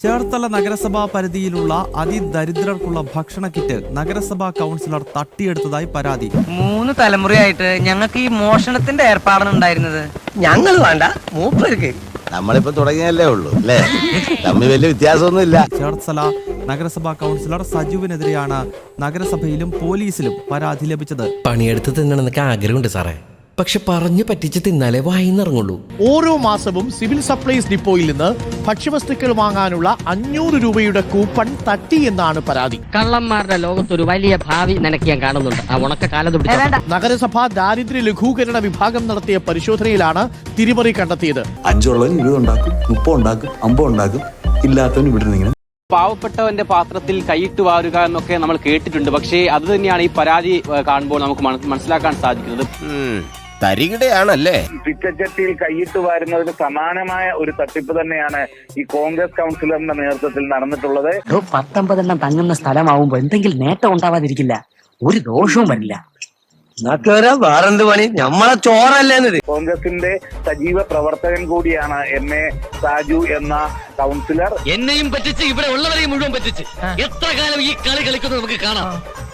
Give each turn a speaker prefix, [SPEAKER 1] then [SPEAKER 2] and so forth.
[SPEAKER 1] ചേർത്തല നഗരസഭാ പരിധിയിലുള്ള അതിദരിദ്രർക്കുള്ള ഭക്ഷണ കിറ്റ് നഗരസഭാ കൗൺസിലർ തട്ടിയെടുത്തതായി പരാതി.
[SPEAKER 2] 3 തലമുറയായിട്ട് ഞങ്ങൾക്ക് ഈ മോഷണത്തിന്റെ ഏർപ്പാടാണ് ഉണ്ടായിരുന്നത്.
[SPEAKER 3] ഞങ്ങൾ വേണ്ട മൂപ്പർക്ക്
[SPEAKER 4] നമ്മളിപ്പോ തുടങ്ങിയല്ലേ ഉള്ളൂ അല്ലേ, തമ്മിൽ വലിയ വ്യത്യാസമൊന്നുമില്ല.
[SPEAKER 1] ചേർത്തല നഗരസഭാ കൗൺസിലർ സജുവിനെതിരെയാണ് നഗരസഭയിലും പോലീസിലും പരാതി ലഭിച്ചത്.
[SPEAKER 5] പണിയെടുത്ത് തിന്നണമെന്നൊക്കെ ആഗ്രഹമുണ്ട് സാറേ, പക്ഷെ പറഞ്ഞു പറ്റിച്ച് തിന്നാലേ വായിന്നിറങ്ങുള്ളൂ.
[SPEAKER 6] ഓരോ മാസവും സിവിൽ സപ്ലൈസ് ഡിപ്പോയിൽ നിന്ന് ഭക്ഷ്യവസ്തുക്കൾ വാങ്ങാനുള്ള 500 രൂപയുടെ കൂപ്പൺ തട്ടി എന്നാണ് പരാതി.
[SPEAKER 7] കള്ളന്മാരുടെ ലോകത്തൊരു വലിയ ഭാവി നിനക്ക് ഞാൻ കാണുന്നുണ്ട്. ആ ഉണക്ക കാലത്ത്
[SPEAKER 6] നഗരസഭ ദാരിദ്ര്യ ലഘൂകരണ വിഭാഗം നടത്തിയ പരിശോധനയിലാണ് തിരിമറി കണ്ടെത്തിയത്.
[SPEAKER 8] 5 ഉള്ളവൻ 20 ഉണ്ടാക്കും, 30 ഉണ്ടാക്കും, 50 ഉണ്ടാക്കും, ഇല്ലാത്തവൻ ഇവിടെ
[SPEAKER 9] പാവപ്പെട്ടവന്റെ പാത്രത്തിൽ കൈയിട്ട് വാരുക എന്നൊക്കെ നമ്മൾ കേട്ടിട്ടുണ്ട്. പക്ഷേ അത് തന്നെയാണ് ഈ പരാതി കാണുമ്പോൾ നമുക്ക് മനസ്സിലാക്കാൻ സാധിക്കുന്നത്.
[SPEAKER 4] തരികിടയാണല്ലേ.
[SPEAKER 10] പിച്ചച്ചട്ടിയിൽ കൈയിട്ട് വാരുന്നതിന് സമാനമായ ഒരു തട്ടിപ്പ് തന്നെയാണ് ഈ കോൺഗ്രസ് കൗൺസിലറിന്റെ നേതൃത്വത്തിൽ നടന്നിട്ടുള്ളത്.
[SPEAKER 7] 19 തങ്ങുന്ന സ്ഥലമാവുമ്പോ എന്തെങ്കിലും നേട്ടം ഉണ്ടാവാതിരിക്കില്ല, ഒരു ദോഷവും വരില്ല.
[SPEAKER 3] വേറെന്ത് പണി, നമ്മളെ ചോറല്ലേന്നത്.
[SPEAKER 10] കോൺഗ്രസിന്റെ സജീവ പ്രവർത്തകൻ കൂടിയാണ് MA സാജു എന്ന കൗൺസിലർ.
[SPEAKER 7] എന്നെയും പറ്റിച്ച് ഇവിടെ ഉള്ളവരെയും മുഴുവൻ പറ്റിച്ച് എത്ര കാലം ഈ കളി കളിക്കുന്നത് നമുക്ക് കാണാം.